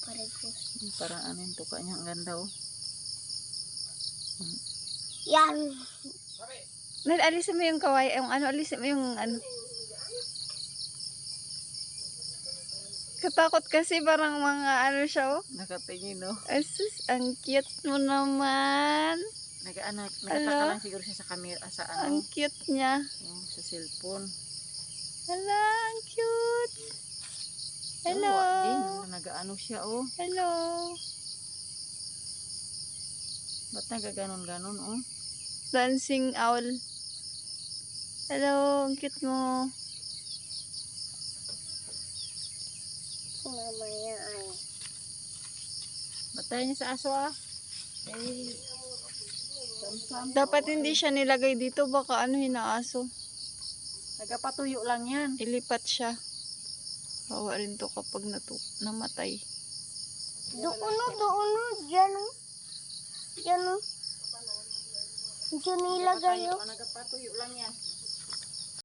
Parehas. Parang ano yung tuka niya. Ang ganda oh. Yan. Nel, alisin mo yung kaway. Yung ano, alisin mo yung ano. Katakot kasi parang mga ano siya oh. Nakatingin oh. Asus, ang cute mo naman. Nagtaka lang siguro siya sa camera, sa Ang ano. cute niya. Sa cellphone. Hala, ang cute. Hello. Tawa din. Nag-ano siya oh. Hello. Ba't nagaganon-ganon oh? Dancing owl. Hello, ang cute mo. Mamaya ay. Batayan niya sa aso ah. Eh, Dapat hindi siya nilagay dito. Baka ano hinaaso. nagapatuyo lang yan. Ilipat siya. Bawa rin to kapag namatay. Doon o. Diyan o. Diyan o. Diyan nilagay o. Nagapatuyo lang yan.